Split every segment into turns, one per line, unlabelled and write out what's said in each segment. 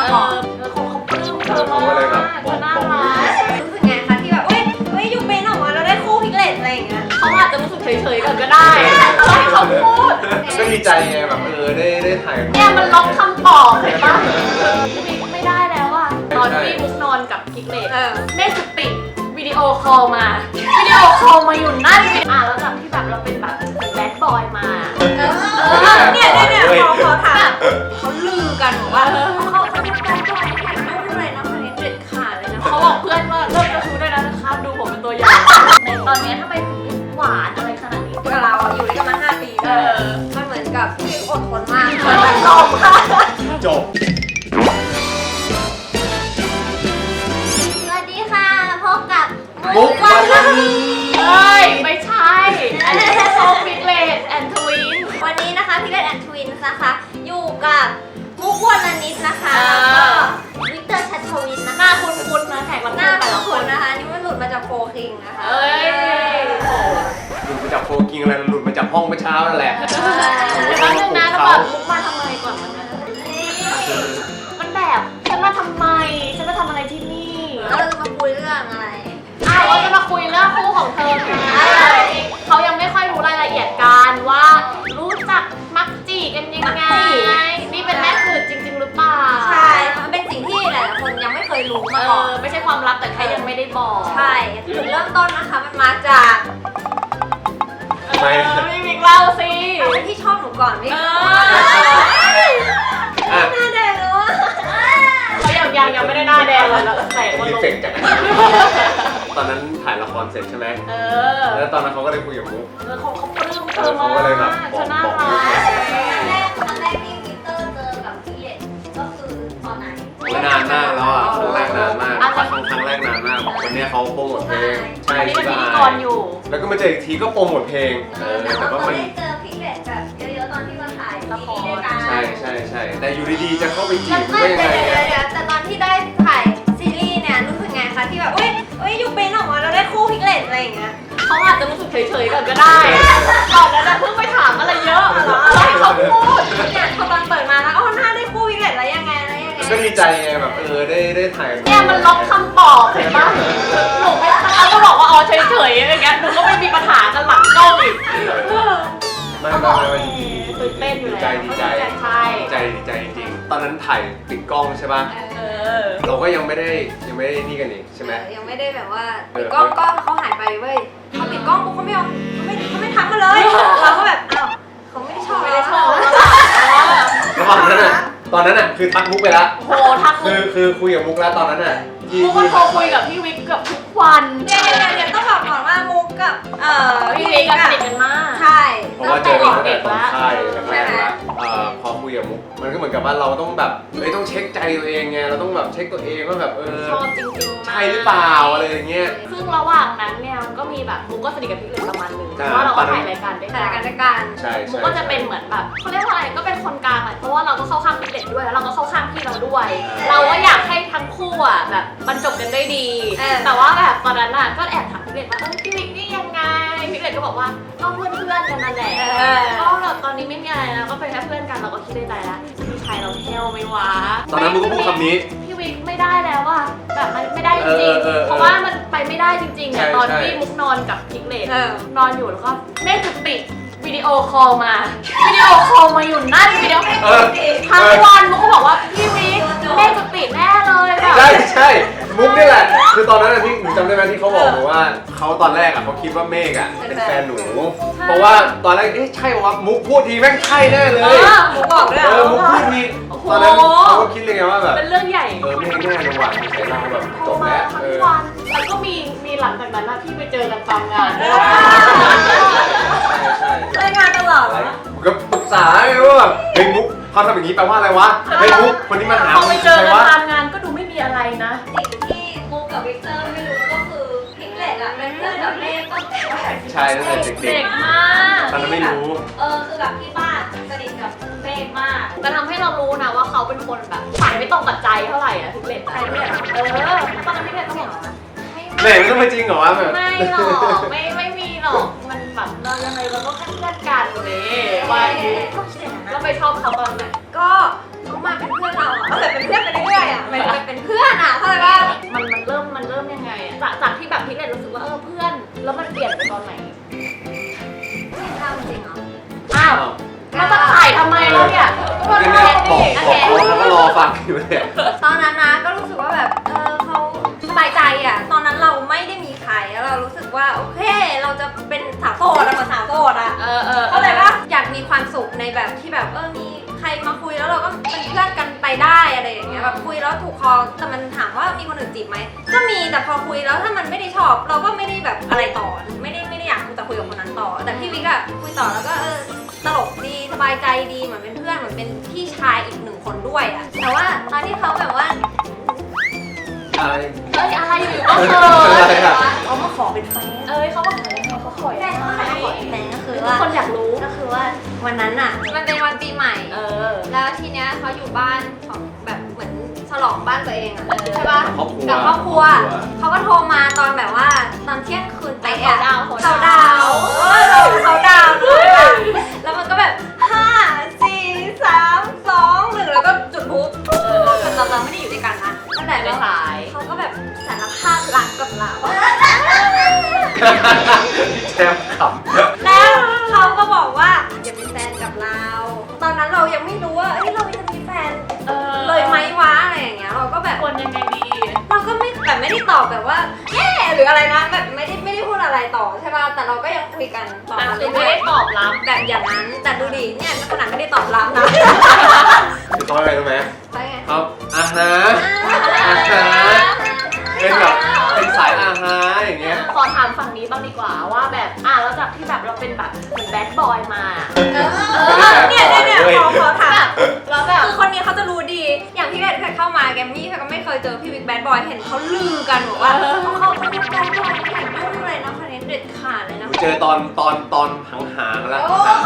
ก่อน
เขาปลื้มเธอมากเธอน่ารัก
รู้สึกไงคะที่แบบเฮ้ยยูเป็นออกมาแล้วได้คู่พิกเลตอะไรอย่างเงี้ย
เขาอาจจะรู้สึกเฉยๆกันก็ได้ให้เขาพูด
ก็ดีใจไงแบบได้ถ่าย
เนี่ยมันล็อกคำตอบเห็นปะไม่ได้แล้วอะตอนที่มุกนอนกับพิกเลตแม่สติวิดีโอคอลมาอยู่นั่นแล้วจากที่แบบเราเป็นแบบแบดบอยมา
เนี่ยเขาถามเขาลือกันว่าเขาเป็นแบดบอยเนี่ยไม่เป็นไรนะคนนี้เด็ดขาดเลยนะ
เขาบอกเพื่อนว่าเลิกกระทู้ได้แล้วนะคะดูผมเป็นตัวอย่างในตอนนี้ถ้าไปหวานอะไรขนาดนี้
กับเราอยู่ด้วยกันมา5 ปีมันเหมือนกับที่อดทนมาก
จบ
สวัสดีค่ะพบกับ
มุกวัน
นี้ไม่ใช่อันนี้คือโซพิกเลตแอนทวิน
วันนี้นะคะพิกเลตแอนทวินนะคะอยู่กับมุกวันนิดนะคะแล้วก็วิกเตอร์ชัชวินนะคะ
หน้าคุ้นๆนะแขกรับเชิญแต่ละคน
นะคะนี่มันหลุดมาจากโฟคิงนะคะ
หลุดมาจากโฟกิงอะไรหลุดมาจากห้องเมื่อเช้านั่นแหละ
แล้วนึงนะแล้วแบบมุกมาทำไมก่อนมันแบบฉันมาทำไมฉันมาทำอะไรที่นี่
แล้วเราจะมาคุยเรื่องอะไร
เราจะมาคุยเรื่องคู่ของเธอเขายังไม่ค่อยรู้รายละเอียดกันว่ารู้จักมักจีกันยังไงนี่เป็นแม่สื่อจริงๆหรือเปล่า
ใช่มันเป็นสิ่งที่หลายๆคนยังไม่เคยรู้มาก่อน
ไม่ใช่ความลับแต่แค่ยังไม่ได้บอก
ใช่จุดเริ่มต้นนะคะมันมาจาก
ไม่มีเล่าสิ
ที่ชอบหนูก่อนพี่หน้าแดงเลยว่ะ
เขายังไม่ได้หน้าแดงเลยแล้วแต่
รีเฟกจากตอนนั้นถ่ายละครเสร็จใช่ไหมแล้วตอนนั้นเขาก็เลยคุยกับมุก
เขาปลื้มเธอมาก
เขาก็เลยแบบบอก
ตอนแรกที่วิกเตอร์เจอกับพี่เล็กก็คือตอนไหน
นานมากแล้วอ่ะครั้งแรกนานมากครั้งแรกนานมากคนนี้เขาโปรโมทเพลง
ใช่ที่พิธีกรอยู่
แล้วก็มาเจออีกทีก็โปรโมทเพลง
แต่ว่ามันเจอพี่เล็กแบบเยอะๆตอนที่มาถ่ายละคร
ใช่แต่อยู่ดีๆจะเข้าไปจีบได้ยังไง
แต่ตอนที่ได้ถ่ายซีรีส์เนี่ยรู้สึกไงคะที่แบบเอ้ยยูเป็นออกมาแล้วได้คู่พิกเลตอะไรอย่างเงี้ย
เขาอาจจะรู้สึกเฉยๆกันก็ได้ก่อนแล้วจะเพิ่งไปถามอะไรเยอะให้เขาพูด
เนี่ยพอตอนเปิดมาแล้วหน้าได้คู่พิกเลตแล้วยังไง
ก็ดีใจไงแบบได้ถ่าย
เนี่ยมันล็อกคำตอบเห็นปะหนูไม่เขาก็บอกว่าเฉยๆอะไรเงี้ยหนูก็ไม่มีปัญหากันหลังกล้องอีก
ไม่
ตื่นเต้นอยู่แล้ว
ดีใจจริงๆตอนนั้นถ่ายปิดกล้องใช่ป่ะเราก็ยังไม่ได้นี่กันอีกใช่ไหม
ยังไม่ได้แบบว่าปิดกล้องเขาหายไปเว้ยเขาปิดกล้องปุ๊บเขาไม่ทักมาเลยเราก็แบบอ้าวเขาไม่ได้ชอบ
ระหว่างนั้นอ่ะตอนนั้นอ่ะคือทักมุกไปแล้ว
โหทัก
คือคุยกับมุกแล้วตอนนั้นอ่ะ
มุกก็โทรคุยกับพี่วิกเกือบทุกวัน
เดี๋ยวต้องบอกก่อนว่ามุกกับ
พี่วิกสนิทกันมาก
ใช่
เพราะว่าเจอกันตั้งแต่ตอนค่ายแรกแล้วพอคุยกับมุกมันก็เหมือนกับว่าเราต้องแบบต้องเช็คใจตัวเองไงเราต้องแบบเช็คตัวเองว่าแบบ
ชอบจริง
ๆใช่หรือเปล่าอะไรอย่างเงี้ย
ซึ่งระหว่างนั้นเนี่ยมันก็มีแบบมุกก็สนิทกับพี่เลยประมาณนึงเพราะว่าเราก็ถ่ายรายการด้วย
กัน
ใช่
มุกก็จะเป็นเหมือนแบบเขาเรียกว่าอะไรก็เป็นคนกลางแหละเพราะว่าเราก็เข้าข้างพี่เด็ดด้วยแล้วเราก็เข้าข้างพี่เราด้วยเราก็อยากให้ทั้งคู่อ่ะแบบบรรจบกันได้ดีแต่ว่าแบบตอนนั้นอ่ะก็แอบถามพี่เด็ดว่าพี่วิกนี่ยังไงพี่เด็ดก็บอกว่าก็เพื่อนกันนั่นแหละก็แบบตอนนี้ไม่มีอะไรแล้วก็เป็นแค่เพื่อนกันเราก็คิดในใจแล้วพี่ชายเราเทลไม่วะ
ตอนนั้นมุกก็พูดคำนี้
พี่วิกไม่ได้แล้วอ่ะแบบมันไม่ได้จริงเพราะว่ามันไปไม่ได้จริงๆอ่ะตอนที่มุกนอนกับพิกเลตนอนอยู่แล้วก็แม่ติดวิดีโอคอลมาอยู่นั่นวิดีโอทั้งวันมุกก็บอกว่าพี่วิกแม่จะติดแน่เลยแบบ
ใช่มุกนี่แหละคือตอนนั้นนะที่หนูจำได้ไหมที่เขาบอกหนูว่าเขาตอนแรกอ่ะเขาคิดว่าเมฆอ่ะเป็นแฟนหนูเพราะว่าตอนแรกใช่ว่ามุกพูดทีแม่งใช่แน่เลย
มุกบอกเลย
มุกพูดทีตอนนั้นเขาก็คิดเลยไงว่าแบบ
เป็นเรื่องใหญ่
เมฆแน่เลยว่ะใช้เราแบบจบแล้ว
ทั้งวันแล้วก็มีหลังจากนั้นนะพี่ไปเจอกันตามงาน
ใช่
ได้งานตลอด
ก็ปรึกษาไงว่าแบบเฮ้ยมุกเขาทำอย่างนี้แปลว่าอะไรวะเฮ้ยมุกคนนี้มาหา
พอไปเจอกันตามงานก็ดูไม่มีอะไรนะ
สิ่งที่มุกกับวิกเตอร์ไม่รู้ก็คือพิกเลตอะเป็นเพื่อนกับเมฆก็
ใช่ตั้งแต่เด็ก
มาก
ตอนนั้นไม่รู้
คือแบบที่บ้านสนิทกับเมฆมาก
แต่ทำให้เรารู้นะว่าเขาเป็นคนแบบฝันไม่ตรงกับใจเท่าไหร่อะพิกเลตใช่ไหมตอนนั้นพิกเลตก็บอก
แหม่ไม่ต้องมาจริงเหรอวะแบบ
ไม่หรอกไม่มีหรอกมันแบบเรายังไงเราก็แค่เพื่อนกันเลยว่าเราไปชอบเขาตอนไหน
ก็เขามาเป็นเพื่อนเราแต่เป็นเพื่อนไปเรื่อยเป็นเพื่อนอ่ะเข้าใจป่ะ
มันเริ่มยังไงอะจากที่แบบพี่เล็กรู้สึกว่าเพื่อนแล้วมันเปลี่ยนไปตอนไหน
ไม่ทราบจริงเหรอ
อ้าวเราจะถ่ายทำไมแล้วเนี่ยก็
ก็
ถ่า
เนี่ย
ย
บอก
ดิ
เขาแล้วก็รอฟังอยู่เนี่ย
ตอนนั้นนะก็รู้สึกว่าแบบเขาสบายใจอ่ะตอนนั้นเราไม่ได้มีใครแล้วเรารู้สึกว่าโอเคเราจะเป็นสาวโสดอะเหมือนสาวโสดอ่ะ เข้าใจป่ะอยากมีความสุขในแบบที่แบบมีใครมาคุยแล้วเราก็เป็นเพื่อนกันไปได้อะไรอย่างเงี้ยแบบคุยแล้วถูกคอแต่มันถามว่ามีคนอื่นจีบไหมก็มีแต่พอคุยแล้วถ้ามันไม่ได้ชอบเราก็ไม่ได้แบบอะไรต่อไม่ได้อยากคุยแต่คุยกับคนนั้นต่อแต่พี่วิกอะคุยต่อแล้วก็ตลกดีสบายใจดีเหมือนเป็นเพื่อนเหมือนเป็นพี่ชายอีกหนึ่งคนด้วยอะแต่ว่าตอนที่เขาแบบว่า
อะไร
อะไรอยู่ก็เขิ
อะไร
น
อะ
เขามาขอเป็นแฟน
เขาบอกเขาขอ
แฟนเขามาขอเป็นแฟนก็คือ
ทุก
ว่า
คนอยากรู้
ก็คือว่าวันนั้นอะมันเป็นวันปีใหม่ แล้วทีเนี้ยเขาอยู่บ้านของแบบเหมือนฉลองบ้านตัวเองอะใช่ป่ะ
ครอบครัว
กับครอบครัวเขาก็โทรมาตอนแบบว่าตอนเที่ยงคืนไปอะ
เขาดาวน์
เขาดาวน์เลยอะแล้วมันก็แบบ5 4 3 2 1แล้วก็จุดพลุเราไม่ได้อยู่ด้วยกันนะตั้งแต่
ไม่ขาย
เขาก็แบบสารภาพรักกับเรา
แชมป์ขำ
แล้วเขาก็บอกว่าอย่าเป็นแฟนกับเรา ตอนนั้นเรายังไม่รู้ว่าเราจะมีแฟนเลยไหมวะอะไรอย่างเงี้ยเราก็แบบ
คนยังไงดี
เราก็ไม่ได้ตอบแบบว่าแย่หรืออะไรนะแบบไม่ได้พูดอะไรต่อใช่ป่ะแต่เราก็ยังคุยกันต่อ
แต่
มา
คือ
เรื่
ไม่
อย
ได้ตอบรับ
ๆแบบอย่างนั้นแต่ดูดิเนี่ยขนาดไม่ได้ตอบรับนะ
คือเขาอะไรรู้ไหม
ไปไง
ครับอาหารเป็นแบบเป็นสายอาหารอย่างเงี้ย
ขอถามฝั่งนี้บ้างดีกว่าว่าแบบแล้วจากที่แบบเราเป็นแบบเหมือนแบดบอยมา
เนี่ยขอถาม
แล้วแบบ
คือคนนี้เขาจะรู้ดีอย่างพี่เพชรเคยเข้ามาแกมมี่ก็ไม่เคยเจอพี่วิกแบดบอยเห็นเขาลือกันบอกว่าเขาเป็นแบดบอยไม่ยุ่งเลยนะคนนี้เด็ดขาดเลยนะ
เจอตอนหางๆแล้ว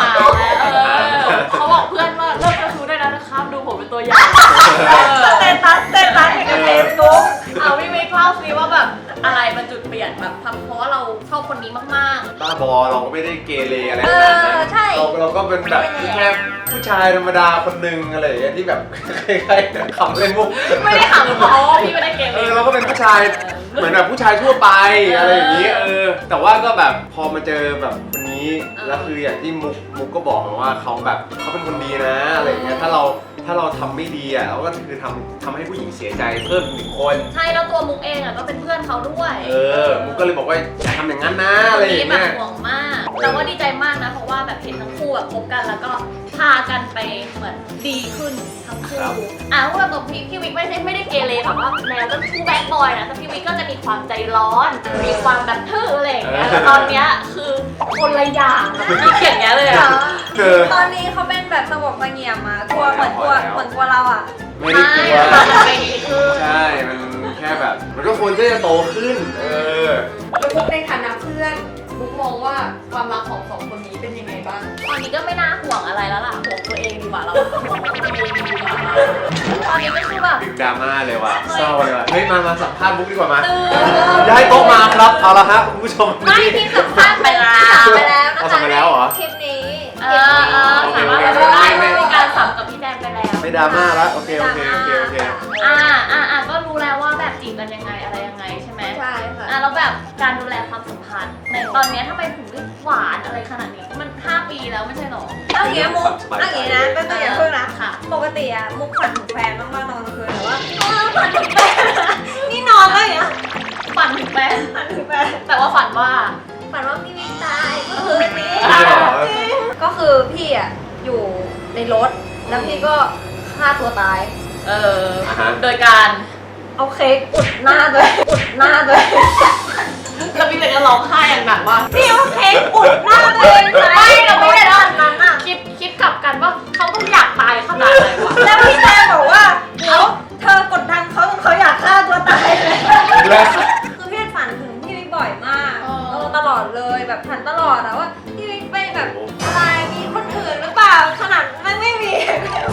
เขาบอกเพื่อนว่าเลิกกระทู้ได้แล้วนะครับดูผมเป็นตัวอย่าง
เต้นตัสในเฟซบุ๊ก
พี่ไม่เล่าซิว่าแบบอะไรมันจุดเปลี่ยนแบบทำเพราะว่าเราชอบคนนี้มาก
บ้าบอเราก็ไม่ได้เกเรอะไรขนาดนั้น
ใช่
เราก็เป็นแบบแค่ผู้ชายธรรมดาคนหนึ่งอะไรอย่างเงี้ยที่แบบใครๆขำเล่นมุก
ๆไม่ได้ถามเพราะว่าพี่ไม่ได้เกม
เราก็เป็นผู้ชายเหมือนแบบผู้ชายทั่วไปอะไรอย่างนี้แต่ว่าก็แบบพอมาเจอแบบคนนี้แล้วคืออย่างที่มุกก็บอกมาว่าเขาแบบเขาเป็นคนดีนะอะไรอย่างเงี้ยถ้าเราทำไม่ดีอ่ะเราก็คือทำให้ผู้หญิงเสียใจเพิ่มอีก1 คน
ใช่แล้วตัวมุกเองก็เป็นเพื่อนเขาด้วย
มุกก็เลยบอกว่าอย่าทำอย่างนั้นนะอะไรอย่าง
แบ
เงี้
บ
ย
ห่วงมากแต่ว่าดีใจมากนะเพราะว่าแบบเห็นทั้งคู่แบบคบกันแล้วก็พากันไปเหมือนดีขึ้นทั้งคู่เพราะว่าตัวพี่วิกไม่ได้เกเรแบบว่าแนวก็คู่แบดบอยนะแต่พี่วิกก็จะมีความใจร้อนมีความแบบทื่ออะไรอย่างเงี้ยแต่ตอนเนี้ยคือคนละอย่างมีเขียนเงี้ยเลยอะ
ตอนนี้เขาเป็นแบบสงบเสงี่ยมอะกลัวเหมือนกลัวเราอะ
ไม่ได้กลัว
ไปดีขึ้น
ใช่มันแค่แบบมันก็ควรที่จะโตขึ้น
แล้วมุกในฐานะเพื่อน
มุกมองว่าความรักของสองคนนี้เป็นยังไงบ้าง
ตอนนี้ก็ไม่น่าห่วงอะไรแล้วล่ะห่วงตัวเองดีกว่าเราห่วงตัวเองดีกว่าตอนนี้ก็คือแบบ
ดึกดราม่าเลยว่ะเศร้าเลยว่ะเฮ้ยมาสัมภาษณ์มุกดีกว่ามา
ตื่น
ย้ายโต๊ะมาครับเอาละฮะคุณผู้ชม
ไม่ที่สัมภาษณ์ไปแล้วนะคะ
เอาสัมไปแล้วเหรอ
คลิปนี้
สามารถไปได้มีการสัมกับพี่แดนไปแล้ว
ไม่ดราม่าแล้วโอเคก็
รู้แล้วว่าแบบจีบกันยังไงอะไรยังไงใช่ไหม
ใช่ค่ะ
แล้วแบบการดูแลความสัมพันธ์ในตอนนี้ทำไมถึงได้หวานอะไรขนาดนี้มัน5 ปีแล้วไม่ใช่หรอ
เอาอย่างเงี้ยมุกเอาอย่างเงี้ยนะเป็นตัวอย่างเพิ่งนะ
ค่ะ
ปกติอะมุกฝันถึงแฟนมากๆตอนกลางคืนแต่ว่าฝันถึงแฟนนี่นอนแล้วอย่างเงี้ย
ฝันถึงแฟน
ฝันถึงแฟน
แต่ว่าฝันว่า
ฝันว่าพี่วิกตายเมื่อคืนนี้ก็คือพี่อะอยู่ในรถแล้วพี่ก็ฆ่าตัวตาย
โดยการ
เอาเค้กอุดหน้าตัวเองอุดหน้าตัวเอง
แล้วพี่เลยก็ร้องไห้อย่างหนักว่า
พี่เอาเค้กอุดหน้าตัวเองไหม
เราไม่ได้
ตอนนั้นอะ
คิดกลับกันว่าเขาต้องอยากตายขนาดไหนวะ
แล้วพี่แจงบอกว่าเดี๋ยวเธอกดดันเขาจนเขาอยากฆ่าตัวตายเลย
แล้ว
คือพี่ฝันถึงพี่วิกบ่อยมากตลอดเลยแบบฝันตลอดอะว่าพี่วิกไปแบบอะไรมีคนอื่นหรือเปล่าขนาดไม่มี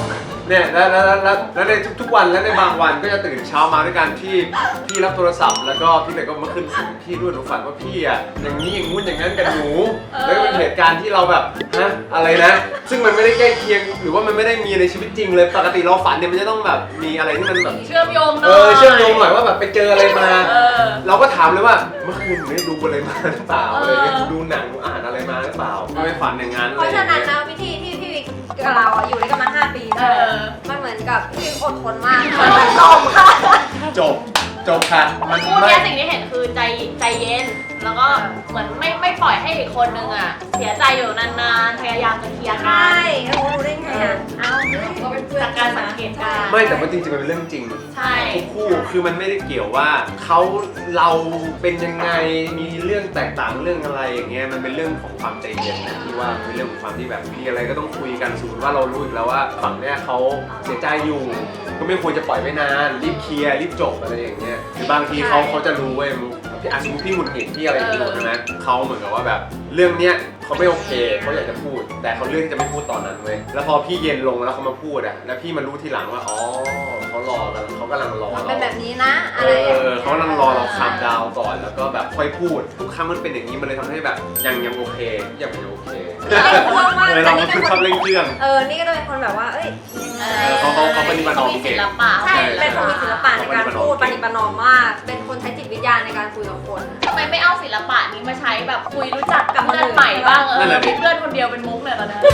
เนี่ยแล้วในทุกๆวันและในบางวันก็จะตื่นเช้ามาด้วยการที่พี่รับโทรศัพท์แล้วก็พี่เลยก็มาขึ้นพี่ด้วยหนูฝันว่าพี่อ่ะอย่างนี้อย่างงู้นอย่างนั้นกับหนูแล้วก็เป็นเหตุการณ์ที่เราแบบฮะอะไรนะซึ่งมันไม่ได้ใกล้เคียงหรือว่ามันไม่ได้มีในชีวิตจริงเลยปกติเราฝันเนี่ยมันจะต้องแบบมีอะไรที่มันแบบ
เชื่อมโยงหน่อย
เชื่อมโยงหน่อยว่าแบบไปเจออะไรมา เราก็ถามเลยว่าเมื่อคืนหนูได้ดูอะไรมาหรือเปล่าอะไรเงี้ยดูหนังอ่านอะไรมาหรือเปล่าไม่ฝันอย่างนั้น
เพราะฉะนั้นนะพี่พี่วิกกับเราอะอยู่ด้วยกันมา5 ปีนะมันเหมือนกับพี่วิกอดทนมากมันตอมค่ะ
จบค่ะมัน
คู่
ไม่
เนี้ยสิ่งที่เห็นคือใจเย็น แล้วก็เหมือนไม่ปล่อยให้อีกคนนึงอ่ะเสียใจอยู่นานๆพยายามจะเคลียร์กั
ใช่
น
รู้ได้ไงอ่ะเอา
ก็เป็นเพื่อน
จากการสังเกตการณ์
ไม่แต่ว่าจริงๆมันเป็นเรื่องจริง
ใช่
ทุกคู่คือมันไม่ได้เกี่ยวว่าเราเป็นยังไงมีเรื่องแตกต่างเรื่องอะไรอย่างเงี้ยมันเป็นเรื่องของความใจเย็นนะที่ว่ามันเป็นเรื่องของความที่แบบมีอะไรก็ต้องคุยกันสมมติว่าเรารู้อีกแล้วว่าฝั่งเนี้ยเขาเสียใจอยู่ ก็ไม่ควรจะปล่อยไว้นานรีบเคลียร์รีบจบอะไรอย่างเงี้ยคือบางทีเขาจะรู้เว้ยพี่สมมติพี่หงุดหงิดพี่อะไรอย่างเงี้ยใช่ไหมเขาเหมือนกับว่าแบบเรื่องเนี้ยเขาไม่โอเคเขาอยากจะพูด แต่เขาเลือกที่จะไม่พูดตอนนั้นเว้ยแล้วพอพี่เย็นลงแล้วเขามาพูดอ่ะแล้วพี่มารู้ทีหลังว่าอ๋อเขารอกันเขากำลังรอเรา
เป็นแบบนี้นะอะไรอย่างเงี้ย
เขากำลังรอเราคามดาวก่อนแล้วก็แบบค่อยพูดทุกครั้งมันเป็นอย่างนี้มันเลยทำให้แบบยังโอเคยังไม่โอเคเราก็คือชอบเล่นเครื่อง
นี่ก็จะเป็นคนแบบว่าเอ้ย
เขาปฏิบัติ
มีศิลปะ
ใช่เป็นคนมีศิลปะในการพูดปฏิบัตินอมมาก เป็นคนใช้จิตวิทยาในการคุยกับคน
ทำไมไม่เอาศิลปะนี้มาใช้แบบคุยรู้จักกับเพื่อนใหม่บ้างมีเพื่อนคนเดียวเป็นมุกเลยตอนนี้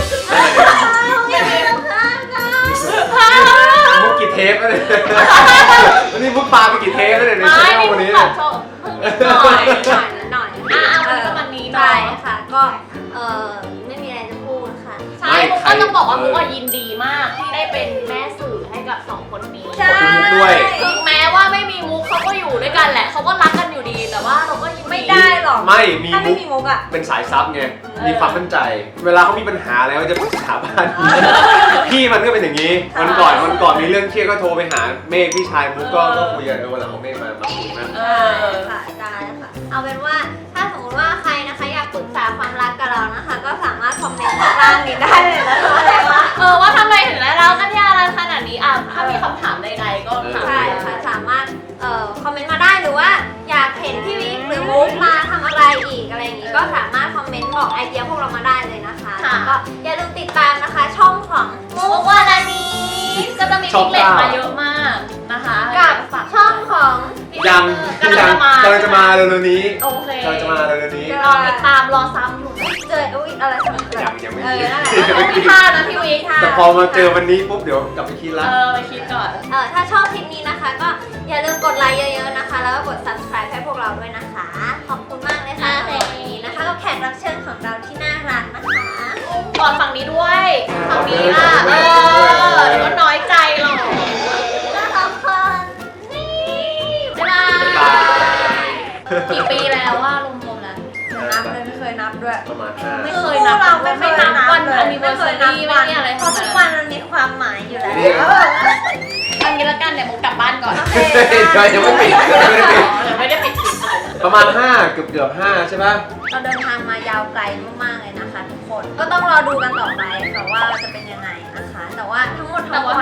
มุกกี่เทปแล้วเนี่ยวันนี้มุกปลาไปกี่เทปแล้วเนี่ยใน
ไม่
ช่ว
นี่
งวัน
มุ
นี้
กแบบชอบหน่อย
หน่อย
วันนี้
ใช่
เนาะ
ค่ะก็ไม่มีอะไรจะพูดค่ะ
ใช่มุกก็ต้องบอกว่ามุกยินดีมากที่ได้เป็นแม่สื่อให้กับ2 คนนี้
ใช่
ถึงแม้ว่าไม่มีมุกเขาก็อยู่ด้วยกันแหละเขาก็รักกันอยู่ดี แต่ว่าเราก็ยัง
ไม่ได้หรอก
ไม่มี
ถ้าไม่
มุก
มีมุกอ่ะ
เป็นสายซับไงมีความมั่นใจ เวลาเขามีปัญหาอะไรก็จะปรึกษาบ้านพี่มันก็เป็นอย่างนี้วันก่อนมีเรื่องเครียดก็โทรไปหาเมฆพี่ชายมุกก็คุยกันวันหลังเอาเมฆมาคุยนะ
ค่ะได้ค่ะ เอาเป็นว่าถ้าสมมติว่าใครนะคะอยากปรึกษาความรักกับเรานะคะ ก็สามารถคอมเมนต์ข้างล่างนี้ได้เลยนะคะอะไรวะ
ว่าทำไมถึงได้เรากันยารันขนาดนี้ถ้ามีคำถามใดๆก็ถาม
ใช่ค่ะสามารถคอมเมนต์มาได้หรือว่าอยากเห็นพี่วิกหรือมุกมาทำอะไรอีกอะไรอย่างงี้ก็สามารถคอมเมนต์บอกไอเดียพวกเรามาได้เลยนะคะแล้วก็อย่าลืมติดตามนะคะช่องของมุกวานานี
ก็จะมีพิกเล็ตมาเยอะมากนะคะ
กับช่องของ
ยังกำลังจะมาเร็วๆนี้
โอเค
กำลังจะมาเร็วๆนี้
รอติดตามรอซ้ำอยู่
เจออุ๊ยอะไรทำไม
ยังไม่
นั่นแหละ
พี่ท่านะพี่วิก
แต่พอมาเจอวันนี้ปุ๊บเดี๋ยวกลับไปคิดละ
ไปคิดก่อน
ถ้าชอบคลิปนี้นะคะ ก็อย่าลืมกดไลค์เยอะๆนะคะ แล้วก็กด subscribe ให้พวกเราด้วยนะคะ ขอบคุณมากเลยค่ะสำหรับวันนี้นะคะกับแขกรับเชิญของเราที่น่ารักนะคะ
ก่อนฝั่งนี้ด้วยฝั่งนี้ล่ะเดี๋ยวก็น้อยใจหรอก
น่ารักค่ะ
บ๊ายบายกี่ปีแล้วว่ารวมๆแล้ว
นับเลยไม่เคยนับด้วย
ประมาณ
ไม่เคยนับ
เราไม่เคยนับ
วัน
เลย
อันนิเวอร์ซารีไม่มีอะไร
เพราะทุกวันมันมีความหมายอยู่แล้ว
อันนี้ละกันเดี๋ยวมุกกลับบ้านก่อน
ยังไม่ปิด
ไม่ได้ปิดคลิป
ประมาณ5เกือบ5ใช่ปะ
เราเดินทางมายาวไกลมากๆเลยนะคะทุกคน ก็ต้องรอดูกันต่อไปค่ะว่าจะเป็นยังไงนะคะ แต่ว่าทั้งหมดทั้งมวล